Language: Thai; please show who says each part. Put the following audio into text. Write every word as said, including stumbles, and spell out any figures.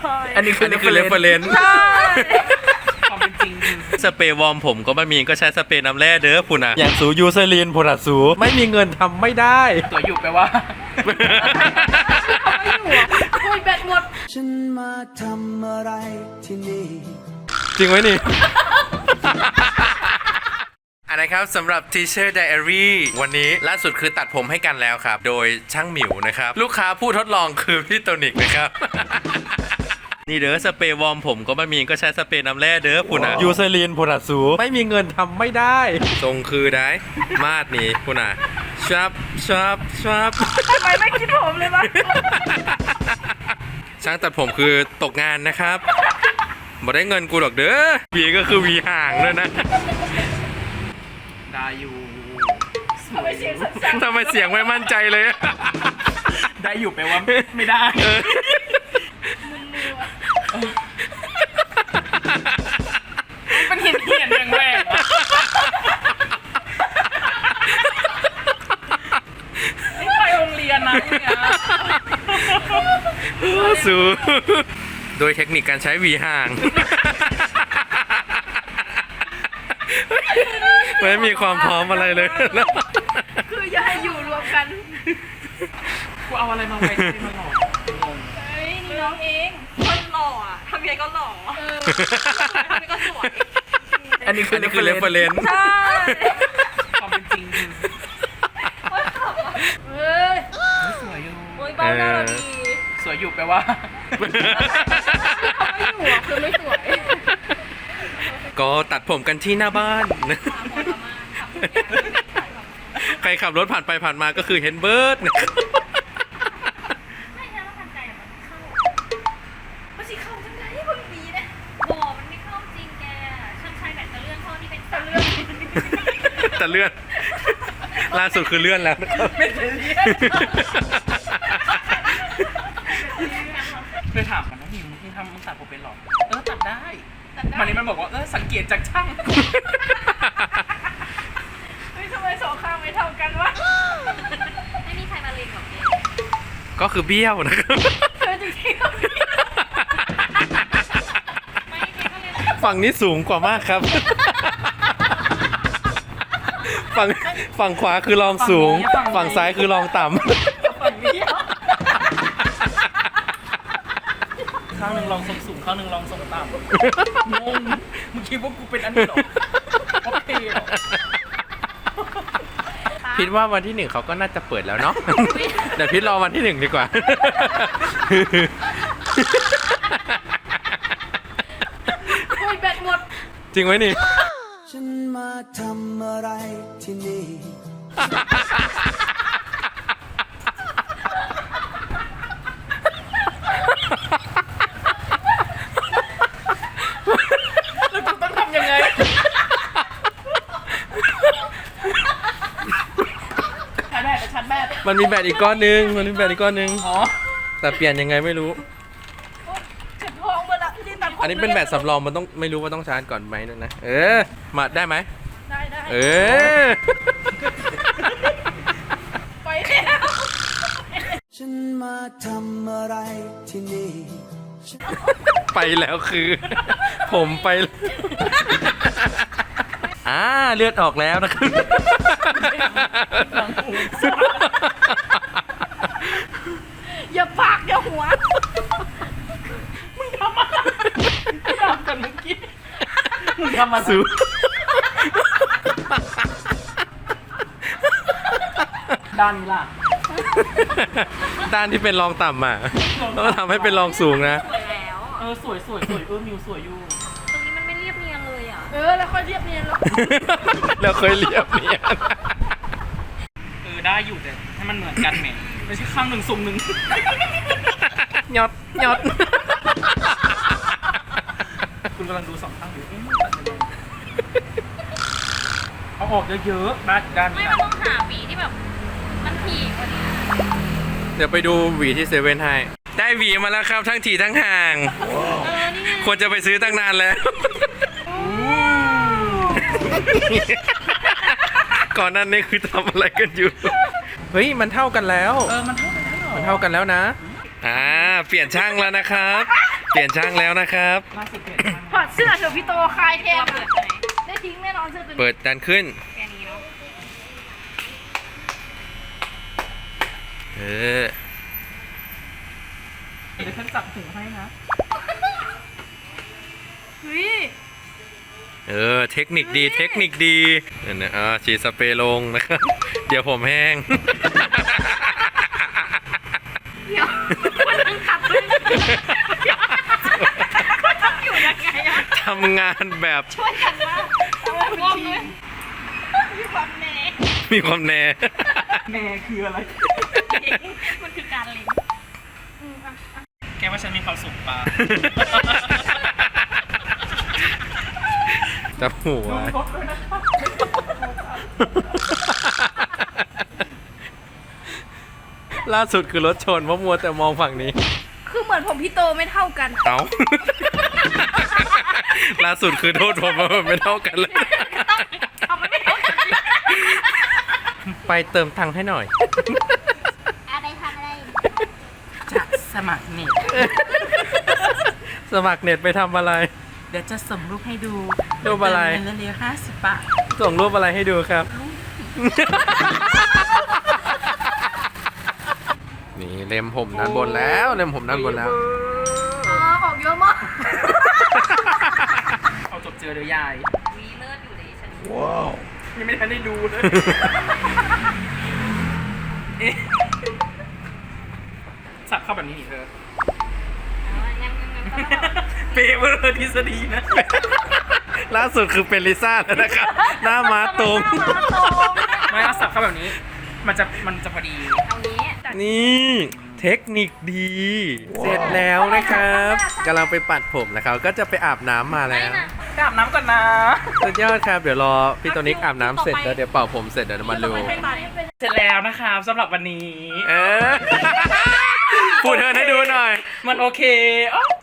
Speaker 1: อันนี้คืออันนี้คือเรฟเฟอเรนซ์
Speaker 2: ความเป็นจริง
Speaker 1: สเปรย์วอร์มผมก็ไม่มีก็ใช้สเปรย์น้ำแร่เด้อพุ่นอ่ะอย่างสูยูเซรีนพุ่นอ่ะสูไม่มีเงินทำไม่ได้
Speaker 2: ตัวอยู่แปลว่า
Speaker 3: ไม่อยู่อ่ะคุยแบตหมด
Speaker 4: ฉันมาทำอะไรที่นี่
Speaker 1: จริงไหมนี่ อันนะครับสำหรับ Teacher Diary วันนี้ล่าสุดคือตัดผมให้กันแล้วครับโดยช่างหมิวนะครับลูกค้าผู้ทดลองคือพี่โตนิกนะครับ นี่เด้อสเปรย์วอร์มผมก็ไม่มีก็ใช้สเปรย์น้ำแร่เด้อพุ่นอ่ะยูเซรีนพุ่นอ่ะสูไม่มีเงินทำไม่ได้ทรงคือได้มาดนี่พุ่นอ่ะชับชับชับ
Speaker 3: ทำไมไม่คิดผมเลยวะ
Speaker 1: ช่างตัดผมคือตกงานนะครับบ่ได้เงินกูหรอกเด้อวีก็คือวีห่างเลยนะ
Speaker 2: ได้อยู่
Speaker 3: ทำไมเสียงสั่น
Speaker 1: ทำไมเสียงไม่มั่นใจเลย
Speaker 2: ได้อยู่แปลว่าไม่ได้มันเห็นเห็นอย่างแรงนี่ไปโรงเรียนนะเนี่ย
Speaker 1: สูโดยเทคนิคการใช้วีห่างไม่มีความพร้อมอะไรเลย
Speaker 3: คืออย่าให้อยู่รวมกัน
Speaker 2: กูเอาอะไรมาไว้ที่มันหล่อ
Speaker 3: เฮ้ยนี่น้องเองคนหล่ออ่ะทำยังไงก็หล่อเออทำยังไงก็สวย
Speaker 1: อันนี้คืออันนี้คือเรฟเฟอเรนซ์
Speaker 3: ใช่
Speaker 2: ความเป็นจริง
Speaker 3: เฮ้ย
Speaker 2: สวยอยู่
Speaker 3: โอ้ยเบ้าหน้าเราดี
Speaker 2: สวยอยู่แปลว่า
Speaker 3: ไม่อยู่อ่ะคือไม่สวย
Speaker 1: ก็ตัดผมกันที่หน้าบ้านใครขับรถผ่านไปผ่านมาก็คือเห็นเบิร์ด
Speaker 3: ไม่ใช่ว่าทันใจมันเข้ามันสิเข้าจังไงให้คนดีนะบ่มันไม่เข้าจริงแกช่างชายแบบตะเลื่อนเข้านี่เป็นตะเลื่อน
Speaker 1: แต่เลื่อนล่าสุดคือเลื่อนแล้ว
Speaker 2: ไม่เลื่อนเคยถามกันนะหิวมึงทำมึงตัดผมเป็นหรอเออตัดได้วันนี้มันบอกว่าเออสังเกตจากช่าง
Speaker 3: เฮ้ยทำไมสองข้างไม่เท่ากันวะไม่มีใครมาเล็งหรอกเ
Speaker 1: ก็คือเบี้ยวนะครับ
Speaker 3: จริง
Speaker 1: ฝั่งนี้สูงกว่ามากครับฝั่งฝั่งขวาคือรองสูงฝั่งซ้ายคือรองต่ำ
Speaker 2: ข้างหนึ่งลองทรงสูงข้างหนึ่งลองทรงต่ำงงมึงคิดว่ากูเป็นอันนี้หรอโอเคหรอ
Speaker 1: พิดว่าวันที่หนึ่งเขาก็น่าจะเปิดแล้วเนาะเดี๋ยวพิดรอวันที่หนึ่งดีกว่า
Speaker 3: คุยแบตหมด
Speaker 1: จริงไหมนี่
Speaker 4: ฉันมาทำอะไรที่นี่
Speaker 1: มันมีแบตอีกก้อนนึงมันมีแบตอีกก้อนนึงแต่เปลี่ยนยังไงไม่รู้อันนี้เป็นแบตสำรองมันต้องไม่รู้ว่าต้องชาร์จก่อนไหมนะเออมาได้ไหม
Speaker 3: ได้ได้
Speaker 1: เออ
Speaker 3: ไปแล้ว
Speaker 4: ฉันมาทำอะไรที่นี่
Speaker 1: ไปแล้วคือผมไปอ่าเลือดออกแล้วนะครับ
Speaker 3: อย่าปากอย่าหัว
Speaker 2: มึงทำอะไรมึงทำกันเมื่อกี้มึงทำมา
Speaker 1: สู
Speaker 2: ด้านนี้ล่ะ
Speaker 1: ด้านที่เป็นรองต่ำอ่ะต้องทำให้เป็นรองสูงนะ
Speaker 3: สวยแล้ว
Speaker 2: เออสวยสวยสวยเออมิวสวยอยู่
Speaker 3: ตรงนี้มันไม่เรียบเนียนเลยอ่ะเออแล้วค่อยเรียบเนียนแล้ว
Speaker 1: แล้วค่อยเรียบเนียน
Speaker 2: เออได้อยู่แต่ให้มันเหมือนกันแหมไม่ใช่ข้างหนึ่งทรงหนึ่ง
Speaker 1: ยอดยอด
Speaker 2: คุณกำลังดูสองข้างอยู่เอาออกเยอะๆด้านด้าน
Speaker 3: ไม่มันต้องหาหวีที่แบบมันถี่กว่านี้
Speaker 1: เดี๋ยวไปดูหวีที่เซเว่นให้ได้หวีมาแล้วครับทั้งถี่ทั้งห่างควรจะไปซื้อตั้งนานแล้วก่อนนั้นนี่คือทำอะไรกันอยู่เฮ้ยมันเท่ากันแล้ว
Speaker 2: เออมันเท่ากันแล้ว
Speaker 1: มันเท่ากันแล้วนะอ่าเปลี่ยนช่างแล้วนะครับเปลี่ยนช่างแล้วนะครับ
Speaker 2: ล่าสุดเปลี่ยนช่าง
Speaker 3: ถอดเสื้อเถอะพี่โตคลายเทปได้ทิ้งแน่นอนเสื้อตัวนี้
Speaker 1: เปิดดันขึ้น
Speaker 3: แค่นี้เนาะ
Speaker 1: เออ
Speaker 2: เดี๋ยวฉันจับหูให้นะ
Speaker 3: เฮ้ย
Speaker 1: เออ เทคนิคดี เทคนิคดีเนี่ยนะอ่าฉีดสเปรย์ลงนะครับ เดี๋ยวผมแห้ง
Speaker 3: เดี๋ยวมันยังขับเลยมันทำอยู่ยังไงอะ
Speaker 1: ทำงานแบบ
Speaker 3: ช่วยกันนะเอาไว้เป็นทีมมีความแน่
Speaker 1: มีความแน่
Speaker 2: แม่คืออะไร
Speaker 3: มันคือการเล็ง
Speaker 2: แกว่าฉันมีความสุขปะ
Speaker 1: จับหัว
Speaker 2: รถด้วยนะครับ
Speaker 1: ล่าสุดคือรถชนเพราะมัวแต่มองฝั่งนี้
Speaker 3: คือเหมือนผมพี่โตไม่เท่ากัน
Speaker 1: เอา ล่าสุดคือโทษผมว่ามันไม่เท่ากันเลย
Speaker 3: เอามันไม่เท่ากัน
Speaker 1: ไปเติมตังค์ให้หน่อย
Speaker 3: อะไรทำอะไร
Speaker 2: จะสมัครเน็ต
Speaker 1: สมัครเน็ตไปทำอะไร
Speaker 2: เดี๋ยวจะส่งรูปให้ดู
Speaker 1: รูปอะไร
Speaker 2: เติมเงินเร็วๆห้าสิบบาท
Speaker 1: ส่งรูปอะไรให้ดูครับ นี่เล็มผมด้านบนแล้วเล็มผมด้านบนแล้ว
Speaker 3: อ๋อออกเยอะมาก
Speaker 2: เอาจบเจอเดี๋ยวยาย
Speaker 3: มีเลิศอยู่เลยฉัน
Speaker 2: ยังไม่ทันได้ดูเลย เอ๊ะสับเข้าแบบนี้นี่เธอ
Speaker 3: ยังยังยังก็
Speaker 2: เปเวอร์ทฤษฎีนะ
Speaker 1: ล่าสุดคือเป็นลิซ่าแล้วนะครับ หน้าม้าตรง
Speaker 2: ไม่เอาสับเข้าแบบนี้ มันจะมันจะพอดี
Speaker 3: เอางี้แต่
Speaker 1: นี่เทคนิคดี เสร็จแล้วนะครับกำลังไปปัดผมนะครับก็จะไปอาบน้ำมาแล้ว
Speaker 2: ไปอาบน้ำก่อนนะ
Speaker 1: สุดยอดครับ เดี๋ยวรอพี่ตัวนิกอาบน้ำเสร็จแล้วเดี๋ยวเป่าผมเสร็จเดี๋ยวมาดู
Speaker 2: เสร็จแล้วนะครับสำหรับวันนี้
Speaker 1: เออพูดเธอให้ดูหน่อย
Speaker 2: มันโอเคอ๋อ